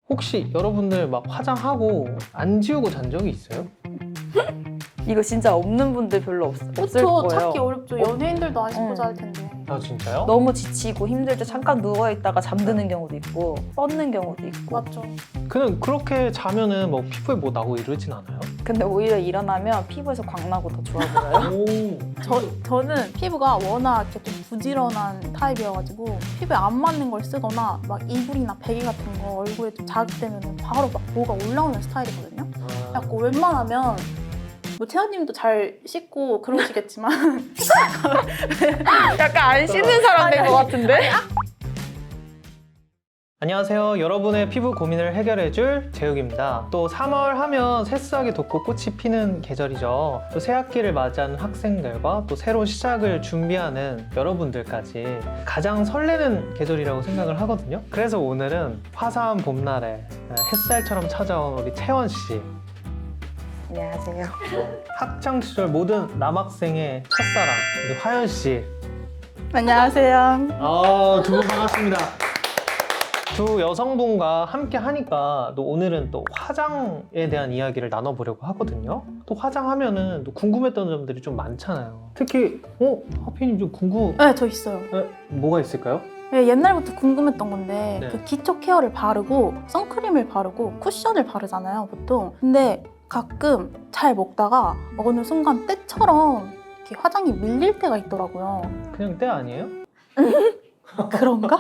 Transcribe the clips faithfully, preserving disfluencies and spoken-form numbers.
혹시 여러분들 막 화장하고 안 지우고 잔 적이 있어요? 이거 진짜 없는 분들 별로 없, 없을 그쵸, 거예요. 찾기 어렵죠. 연예인들도 안 씻고 응. 잘 텐데. 아 진짜요? 너무 지치고 힘들 때 잠깐 누워있다가 잠드는 경우도 있고 뻗는 경우도 있고. 맞죠. 그냥 그렇게 자면은 뭐 피부에 뭐 나고 이러진 않아요? 근데 오히려 일어나면 피부에서 광나고 더 좋아 보여요. 오. 저, 저는 피부가 워낙 이렇게 좀 부지런한 타입이어가지고 피부에 안 맞는 걸 쓰거나 막 이불이나 베개 같은 거 얼굴에 좀 자극되면 바로 막 뭐가 올라오는 스타일이거든요. 아. 약간 웬만하면 뭐 채연님도 잘 씻고 그러시겠지만 약간 안 씻는 사람 된 것 같은데? 안녕하세요. 여러분의 피부 고민을 해결해줄 재욱입니다. 또 삼월 하면 새싹이 돋고 꽃이 피는 계절이죠. 또 새학기를 맞이하는 학생들과 또 새로운 시작을 준비하는 여러분들까지 가장 설레는 계절이라고 생각을 하거든요. 그래서 오늘은 화사한 봄날에 햇살처럼 찾아온 우리 채원 씨, 안녕하세요. 학창 시절 모든 남학생의 첫사랑 우리 화연 씨. 안녕하세요. 아, 두 분 반갑습니다. 두 여성분과 함께 하니까 또 오늘은 또 화장에 대한 이야기를 나눠보려고 하거든요. 또 화장하면은 또 궁금했던 점들이 좀 많잖아요. 특히 어? 하피님 좀 궁금... 네, 저 있어요. 에, 뭐가 있을까요? 네, 옛날부터 궁금했던 건데 네. 그 기초 케어를 바르고 선크림을 바르고 쿠션을 바르잖아요, 보통. 근데 가끔 잘 먹다가 어느 순간 때처럼 이렇게 화장이 밀릴 때가 있더라고요. 그냥 때 아니에요? 그런가?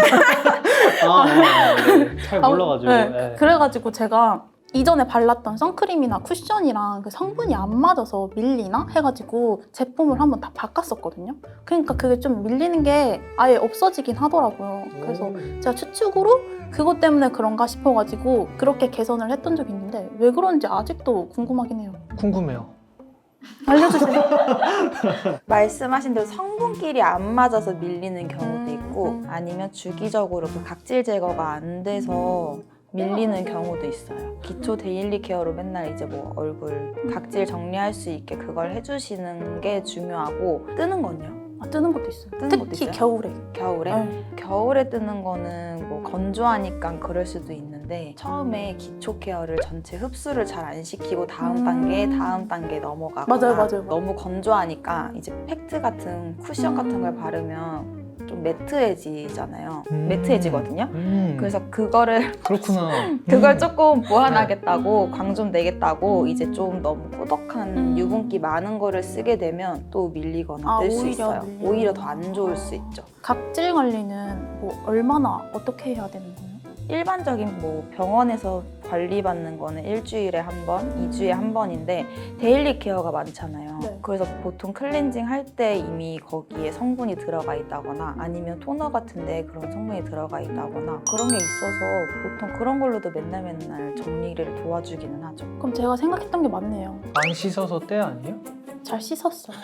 아, 네, 네. 잘 몰라가지고. 네, 네. 그래가지고 제가 이전에 발랐던 선크림이나 쿠션이랑 그 성분이 안 맞아서 밀리나 해가지고 제품을 한번 다 바꿨었거든요. 그러니까 그게 좀 밀리는 게 아예 없어지긴 하더라고요. 그래서 오. 제가 추측으로 그것 때문에 그런가 싶어가지고 그렇게 개선을 했던 적이 있는데 왜 그런지 아직도 궁금하긴 해요. 궁금해요. 알려주세요. 말씀하신 대로 성분끼리 안 맞아서 밀리는 경우도 음, 있고 음. 아니면 주기적으로 그 각질 제거가 안 돼서 밀리는 경우도 있어요. 기초 데일리 케어로 맨날 이제 뭐 얼굴 각질 정리할 수 있게 그걸 해주시는 게 중요하고 뜨는 건요? 아, 뜨는 것도 있어요. 뜨는 특히 것도 있어요? 겨울에. 겨울에? 네. 겨울에 뜨는 거는 뭐 건조하니까 그럴 수도 있는데 처음에 기초 케어를 전체 흡수를 잘 안 시키고 다음 음. 단계, 다음 단계 넘어가거나 맞아요, 맞아요. 너무 건조하니까 이제 팩트 같은 쿠션 같은 걸 바르면 좀 매트해지잖아요. 음. 매트해지거든요. 음. 그래서 그거를 그렇구나. 그걸 음. 조금 보완하겠다고 음. 광 좀 내겠다고 음. 이제 좀 너무 꾸덕한 음. 유분기 많은 거를 쓰게 되면 또 밀리거나 아, 뜰 수 오히려 있어요. 밀리는구나. 오히려 더 안 좋을 수 있죠. 각질 관리는 뭐 얼마나 어떻게 해야 되는 거예요? 일반적인 뭐 병원에서 관리받는 거는 일주일에 한 번, 이주에 한 번인데 데일리 케어가 많잖아요. 네. 그래서 보통 클렌징 할 때 이미 거기에 성분이 들어가 있다거나 아니면 토너 같은데 그런 성분이 들어가 있다거나 그런 게 있어서 보통 그런 걸로도 맨날 맨날 정리를 도와주기는 하죠. 그럼 제가 생각했던 게 맞네요. 안 씻어서 때 아니에요? 잘 씻었어요.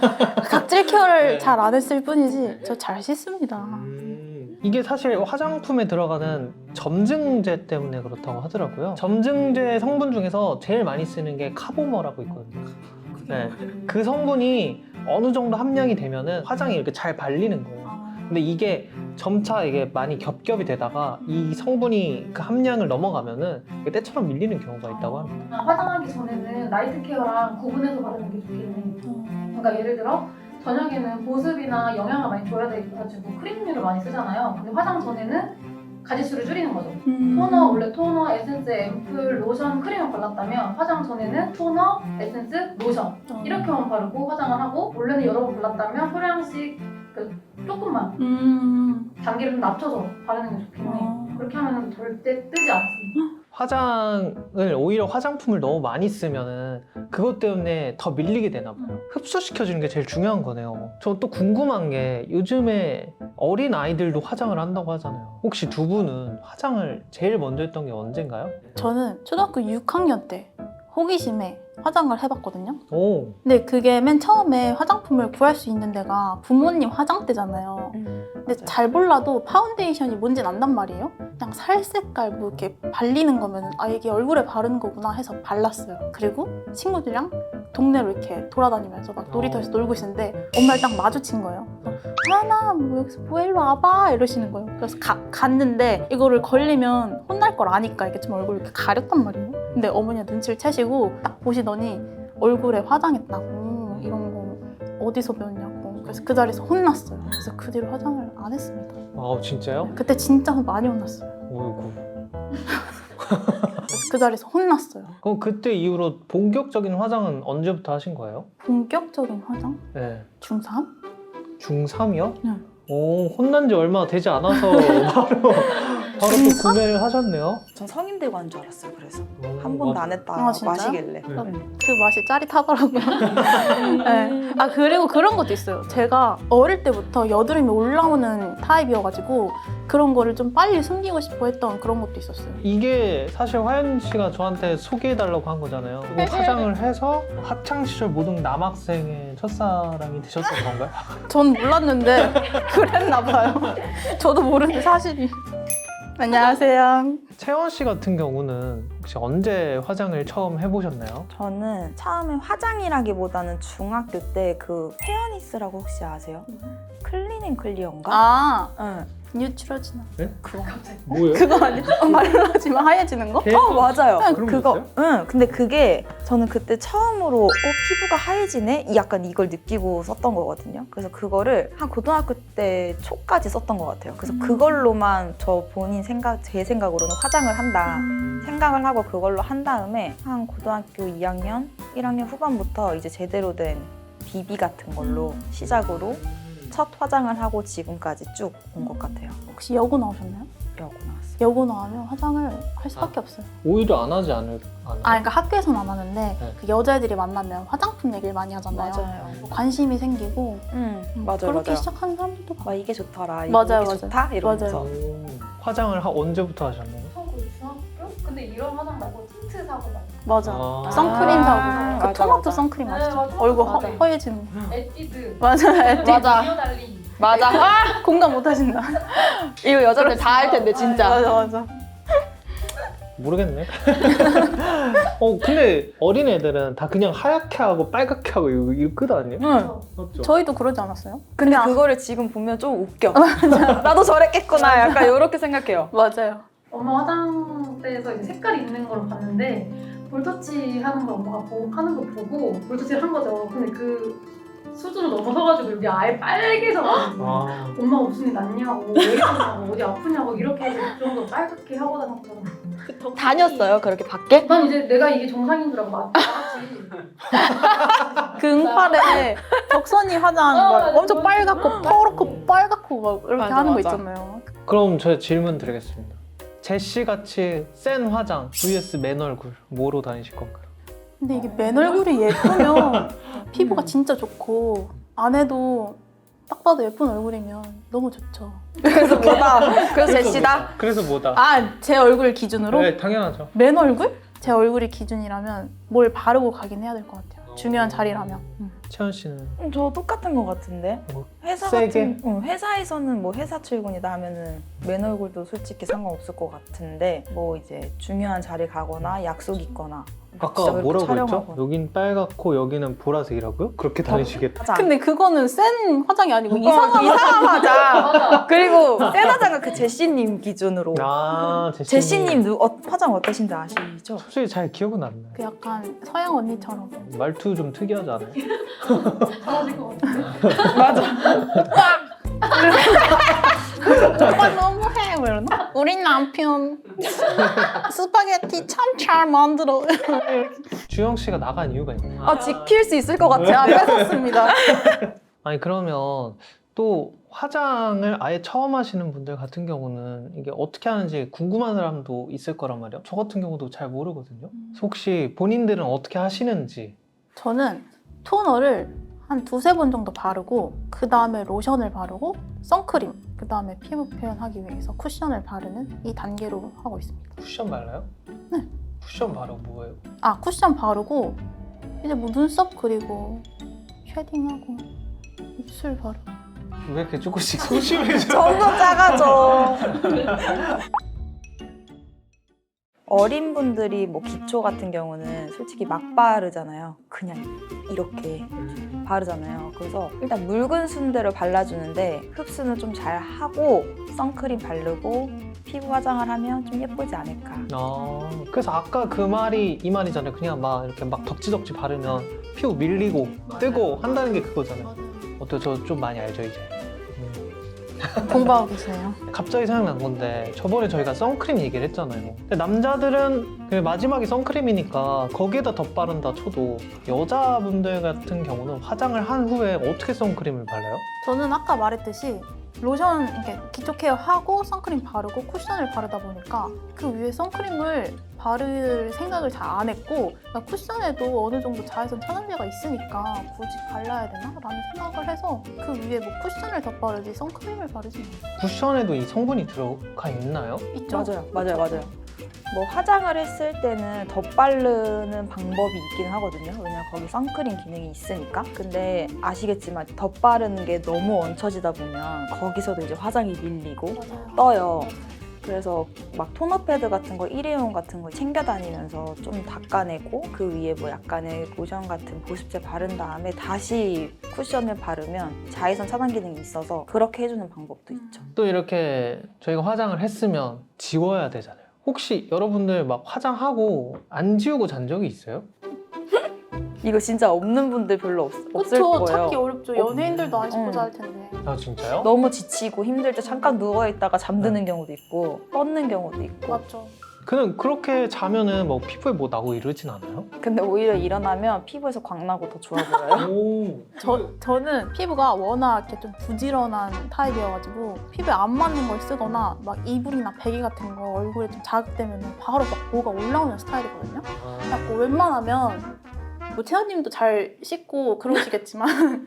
각질 케어를 네. 잘 안 했을 뿐이지 저 잘 씻습니다. 음. 이게 사실 화장품에 들어가는 점증제 때문에 그렇다고 하더라고요. 점증제 성분 중에서 제일 많이 쓰는 게 카보머라고 있거든요. 네. 그 성분이 어느 정도 함량이 되면은 화장이 이렇게 잘 발리는 거예요. 아, 근데 이게 점차 이게 많이 겹겹이 되다가 이 성분이 그 함량을 넘어가면은 이게 때처럼 밀리는 경우가 있다고 합니다. 화장하기 전에는 나이트 케어랑 구분해서 바르는 게 좋겠네. 어. 그러니까 예를 들어 저녁에는 보습이나 영양을 많이 줘야 돼가지고 크림류를 많이 쓰잖아요. 근데 화장 전에는 가짓수를 줄이는 거죠. 음. 토너, 원래 토너, 에센스, 앰플, 로션, 크림을 발랐다면 화장 전에는 토너, 에센스, 로션 어. 이렇게만 바르고 화장을 하고 원래는 여러 번 발랐다면 소량씩 그 조금만 음. 단계를 좀 낮춰서 바르는 게 좋겠네. 어. 그렇게 하면 절대 뜨지 않습니다. 화장을 오히려 화장품을 너무 많이 쓰면은 그것 때문에 더 밀리게 되나 봐요. 흡수시켜주는 게 제일 중요한 거네요. 저 또 궁금한 게 요즘에 어린 아이들도 화장을 한다고 하잖아요. 혹시 두 분은 화장을 제일 먼저 했던 게 언젠가요? 저는 초등학교 육 학년 때 호기심에 화장을 해봤거든요. 오, 근데 그게 맨 처음에 화장품을 구할 수 있는 데가 부모님 화장대잖아요. 음, 근데 잘 몰라도 파운데이션이 뭔진 안단 말이에요. 그냥 살 색깔 뭐 이렇게 발리는 거면 아 이게 얼굴에 바르는 거구나 해서 발랐어요. 그리고 친구들이랑 동네로 이렇게 돌아다니면서 막 놀이터에서 놀고 있는데 엄마를 딱 마주친 거예요. 하나 뭐 여기서 뭐 일로 와봐 이러시는 거예요. 그래서 가, 갔는데 이거를 걸리면 혼날 걸 아니까 이렇게 좀 얼굴 이렇게 가렸단 말이에요. 근데 어머니가 눈치를 채시고 딱 보시더니 얼굴에 화장했다고 이런 거 어디서 배웠냐고. 그래서 그 자리에서 혼났어요. 그래서 그 뒤로 화장을 안 했습니다. 아 진짜요? 그때 진짜 많이 혼났어요. 어이구. 그래서 그 자리에서 혼났어요. 그럼 그때 이후로 본격적인 화장은 언제부터 하신 거예요? 본격적인 화장? 네. 중삼? 중삼이요? 네. 오, 혼난 지 얼마 되지 않아서 바로 바로 또 구매를 하셨네요. 전 성인 되고 한 줄 알았어요. 그래서 오, 한 번도 맞아. 안 했다 아, 진짜요? 마시길래. 네. 음. 그 맛이 짜릿하더라고요. 네. 아 그리고 그런 것도 있어요. 제가 어릴 때부터 여드름이 올라오는 타입이어가지고 그런 거를 좀 빨리 숨기고 싶어 했던 그런 것도 있었어요. 이게 사실 화연 씨가 저한테 소개해달라고 한 거잖아요. 이거 화장을 해서 학창 시절 모든 남학생의 첫사랑이 되셨던 건가요? 전 몰랐는데 그랬나 봐요. 저도 모르는데 사실이. 안녕하세요. 채원 씨 같은 경우는 혹시 언제 화장을 처음 해보셨나요? 저는 처음에 화장이라기보다는 중학교 때 그 헤어니스라고 혹시 아세요? 클리닝 클리어인가? 아 응. 뉴트로지나. 그거. 뭐예요? 그거 아니야? 말라지면 하얘지는 거? 어 맞아요. 그냥 그런 그거. 거였어요? 응. 근데 그게 저는 그때 처음으로 어 피부가 하얘지네. 이 약간 이걸 느끼고 썼던 거거든요. 그래서 그거를 한 고등학교 때 초까지 썼던 것 같아요. 그래서 음. 그걸로만 저 본인 생각 제 생각으로는 화장을 한다. 생각을 하고 그걸로 한 다음에 한 고등학교 이 학년, 일 학년 후반부터 이제 제대로 된 비비 같은 걸로 시작으로 첫 화장을 하고 지금까지 쭉 온 것 같아요. 혹시 여고 나오셨나요? 여고 나왔어요. 여고 나오면 화장을 할 수밖에 없어요. 오히려 안 하지 않을, 않아요? 아, 그러니까 학교에서는 안 하는데 네. 그 여자애들이 만나면 화장품 얘기를 많이 하잖아요. 맞아요. 관심이 생기고 응, 음, 맞아요, 그렇게 맞아요. 시작하는 사람들도 많아요. 막 이게 좋더라, 이게 맞아요, 맞아요. 좋다 이러면서. 맞아요. 오, 화장을 하, 언제부터 하셨나요? 하고 중학교? 근데 이런 화장 말고 틴트 사고 막 맞아. 아. 선크림 아, 사고 그 맞아, 토마토 맞아. 선크림 네, 아시죠? 맞아. 얼굴 허, 맞아. 허해지는 거. 에뛰드 맞아. 에뛰드. 맞아. 디어달리 맞아. 아, 공감 못 하신다. 이거 여자들 다 할 텐데 진짜. 맞아, 맞아. 모르겠네. 어 근데 어린 애들은 다 그냥 하얗게 하고 빨갛게 하고 이거, 이거 끝 아니에요? 응. 맞죠? 저희도 그러지 않았어요? 근데 그냥- 그거를 지금 보면 좀 웃겨. 나도 저랬겠구나. 약간 이렇게 생각해요. 맞아요. 엄마 화장대에서 이제 색깔이 있는 걸 봤는데 볼터치 하는 걸 엄마가 보, 하는 거 보고 볼터치를 한 거죠. 근데 그 수준을 넘어서가지고 여기 아예 빨개져가지고 아, 엄마가 무슨 일 났냐고 왜 이러냐고 어디 아프냐고 이렇게 해서 그 정도 빨갛게 하고 다녔거든요. 다녔어요, 그렇게 밖에? 난 이제 내가 이게 정상인 줄 알고 맞지. 그 응팔에 덕선이 화장 어, 막 맞아. 엄청 빨갛고 퍼렇고 빨갛고 막 이렇게 맞아, 하는 거 맞아. 있잖아요. 그럼 저 질문 드리겠습니다. 제시 같이 센 화장 vs 맨 얼굴 뭐로 다니실 건가요? 근데 이게 맨 얼굴이 예쁘면 피부가 진짜 좋고 안 해도 딱 봐도 예쁜 얼굴이면 너무 좋죠. 그래서 뭐다. 그래서 제시다. 그래서 뭐다? 아, 제 얼굴 기준으로? 네, 당연하죠. 맨 얼굴? 제 얼굴이 기준이라면 뭘 바르고 가긴 해야 될 것 같아요. 중요한 자리라면. 음. 채연 씨는 음, 저 똑같은 것 같은데. 뭐, 회사 세게? 같은 응, 회사에서는 뭐 회사 출근이다 하면은 맨 얼굴도 솔직히 상관없을 것 같은데 뭐 이제 중요한 자리 가거나 약속 있거나 아까 진짜 그렇게 뭐라고 했죠? 촬영하고. 여긴 빨갛고 여기는 보라색이라고요? 그렇게 다니시겠다. 화장. 근데 그거는 센 화장이 아니고 어, 이상한 이상한 화장. 맞아. 그리고 센 화장은 그 제시님 기준으로. 아, 제시님. 제시님 누, 어, 화장 어떠신지 아시죠? 솔직히 잘 기억은 안 나요. 그 약간 서양 언니처럼. 말투 좀 특이하지 않아요? 잘하실 것 같은데. 맞아. 오빠 너무해 뭐 이러나? 우리 남편 스파게티 참 잘 만들어. 주영 씨가 나간 이유가 있나요? 아 지킬 수 있을 것 같아. 제가 뺏었습니다. 아니 그러면 또 화장을 아예 처음 하시는 분들 같은 경우는 이게 어떻게 하는지 궁금한 사람도 있을 거란 말이에요. 저 같은 경우도 잘 모르거든요. 그래서 혹시 본인들은 어떻게 하시는지. 저는 토너를 한 두세 번 정도 바르고 그 다음에 로션을 바르고 선크림 그 다음에 피부 표현하기 위해서 쿠션을 바르는 이 단계로 하고 있습니다. 쿠션 발라요? 네. 쿠션 바르고 뭐예요? 아 쿠션 바르고 이제 뭐 눈썹 그리고 쉐딩하고 입술 바르고 왜 이렇게 조금씩 소심해져? 점점 작아져. 어린 분들이 뭐 기초 같은 경우는 솔직히 막 바르잖아요. 그냥 이렇게 바르잖아요. 그래서 일단 묽은 순대를 발라주는데 흡수는 좀 잘 하고 선크림 바르고 피부 화장을 하면 좀 예쁘지 않을까. 아, 그래서 아까 그 말이 이 말이잖아요. 그냥 막 이렇게 막 덕지덕지 바르면 피부 밀리고 뜨고 한다는 게 그거잖아요. 어때? 저 좀 많이 알죠 이제. 음. 공부하고 계세요. 갑자기 생각난 건데 저번에 저희가 선크림 얘기를 했잖아요. 근데 남자들은 그 마지막이 선크림이니까 거기에다 덧바른다 쳐도 여자분들 같은 경우는 화장을 한 후에 어떻게 선크림을 발라요? 저는 아까 말했듯이 로션 이렇게 기초 케어 하고 선크림 바르고 쿠션을 바르다 보니까 그 위에 선크림을 바를 생각을 잘 안 했고 그러니까 쿠션에도 어느 정도 자외선 차단제가 있으니까 굳이 발라야 되나? 라는 생각을 해서 그 위에 뭐 쿠션을 덧바르지 선크림을 바르지 않아요. 쿠션에도 이 성분이 들어가 있나요? 있죠? 맞아요, 맞아요, 맞아요. 뭐 화장을 했을 때는 덧바르는 방법이 있긴 하거든요. 왜냐면 거기 선크림 기능이 있으니까. 근데 아시겠지만 덧바르는 게 너무 얹혀지다 보면 거기서도 이제 화장이 밀리고 맞아요. 떠요. 그래서 막 토너 패드 같은 거 일회용 같은 거 챙겨 다니면서 좀 닦아내고 그 위에 뭐 약간의 로션 같은 보습제 바른 다음에 다시 쿠션을 바르면 자외선 차단 기능이 있어서 그렇게 해주는 방법도 있죠. 또 이렇게 저희가 화장을 했으면 지워야 되잖아요. 혹시 여러분들 막 화장하고 안 지우고 잔 적이 있어요? 이거 진짜 없는 분들 별로 없, 없을 그쵸? 거예요. 찾기 어렵죠. 연예인들도 안 씻고 응. 잘 텐데. 아 진짜요? 너무 지치고 힘들 때 잠깐 누워있다가 잠드는 경우도 있고 뻗는 경우도 있고. 맞죠. 그냥 그렇게 자면은 뭐 피부에 뭐 나고 이러진 않아요? 근데 오히려 일어나면 피부에서 광 나고 더 좋아 보여요. 오. 저, 저는 피부가 워낙 이렇게 좀 부지런한 타입이어가지고 피부에 안 맞는 걸 쓰거나 막 이불이나 베개 같은 거 얼굴에 좀 자극되면 바로 막 뭐가 올라오는 스타일이거든요. 그래서 웬만하면 뭐 채연님도 잘 씻고 그러시겠지만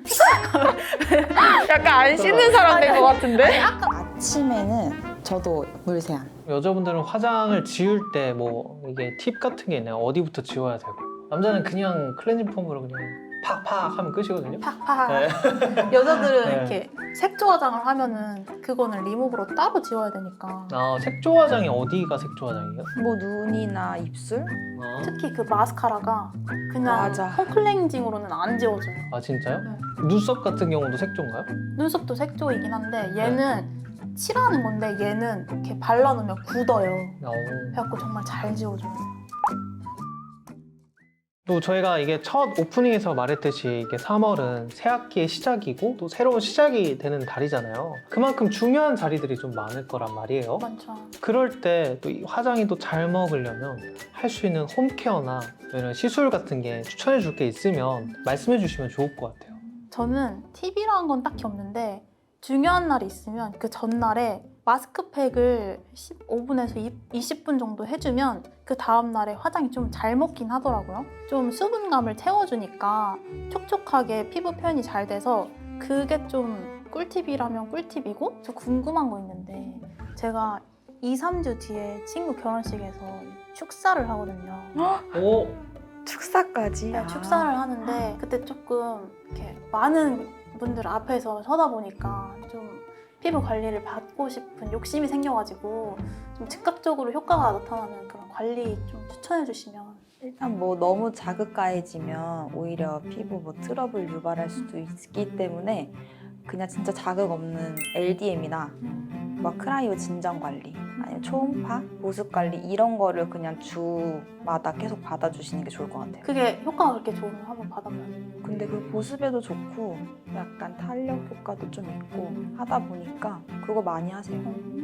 약간 안 씻는 사람 된 것 같은데? 아까 아침에는 저도 물세안. 여자분들은 화장을 지울 때 뭐 이게 팁 같은 게 있나요? 어디부터 지워야 되고? 남자는 그냥 클렌징 폼으로 그냥 팍팍 하면 끝이거든요. 팍팍 네. 여자들은 네. 이렇게 색조 화장을 하면은 그거는 리무브로 따로 지워야 되니까 아, 색조 화장이 어디가 색조 화장이에요? 뭐 눈이나 입술? 아, 특히 그 마스카라가 그냥 맞아. 홈클렌징으로는 안 지워져요. 아 진짜요? 네. 눈썹 같은 경우도 색조인가요? 눈썹도 색조이긴 한데 얘는 칠하는 건데 얘는 이렇게 발라놓으면 굳어요. 어. 그래갖고 정말 잘 지워줘요. 또 저희가 이게 첫 오프닝에서 말했듯이 이게 삼월은 새 학기의 시작이고 또 새로운 시작이 되는 달이잖아요. 그만큼 중요한 자리들이 좀 많을 거란 말이에요. 많죠. 그럴 때 또 화장이 또 잘 먹으려면 할 수 있는 홈케어나 이런 시술 같은 게 추천해 줄 게 있으면 말씀해 주시면 좋을 것 같아요. 저는 팁이라는 건 딱히 없는데 중요한 날이 있으면 그 전날에 마스크팩을 십오 분에서 이십 분 정도 해주면 그 다음날에 화장이 좀 잘 먹긴 하더라고요. 좀 수분감을 채워주니까 촉촉하게 피부 표현이 잘 돼서 그게 좀 꿀팁이라면 꿀팁이고 저 궁금한 거 있는데 제가 이, 삼 주 뒤에 친구 결혼식에서 축사를 하거든요. 오, 축사까지? 네, 축사를 하는데 그때 조금 이렇게 많은 분들 앞에서 서다 보니까 좀 피부 관리를 받고 싶은 욕심이 생겨가지고 좀 즉각적으로 효과가 나타나는 그런 관리 좀 추천해 주시면. 일단 뭐 너무 자극가해지면 오히려 피부 뭐 트러블 유발할 수도 있기 때문에 그냥 진짜 자극 없는 엘디엠이나 막 크라이오 진정 관리 아니면 초음파, 보습 관리 이런 거를 그냥 주마다 계속 받아주시는 게 좋을 것 같아요. 그게 효과가 그렇게 좋으면 한번 받아봐요. 근데 그 보습에도 좋고 약간 탄력 효과도 좀 있고 하다 보니까 그거 많이 하세요.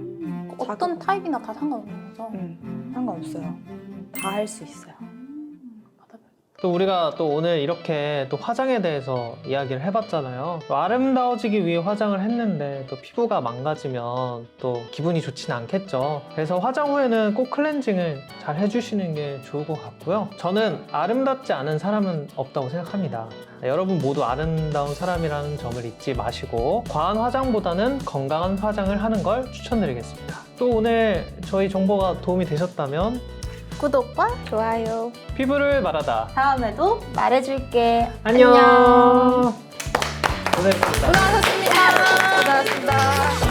어떤 자극- 타입이나 다 상관없는 거죠? 음, 상관없어요. 다 할 수 있어요. 받아봐요. 또 우리가 또 오늘 이렇게 또 화장에 대해서 이야기를 해봤잖아요. 또 아름다워지기 위해 화장을 했는데 또 피부가 망가지면 또 기분이 좋지는 않겠죠. 그래서 화장 후에는 꼭 클렌징을 잘 해주시는 게 좋을 것 같고요. 저는 아름답지 않은 사람은 없다고 생각합니다. 네, 여러분 모두 아름다운 사람이라는 점을 잊지 마시고 과한 화장보다는 건강한 화장을 하는 걸 추천드리겠습니다. 또 오늘 저희 정보가 도움이 되셨다면 구독과 좋아요. 피부를 말하다. 다음에도 말해줄게. 안녕. 안녕. 고생했습니다. 고생하셨습니다. 고생하셨습니다.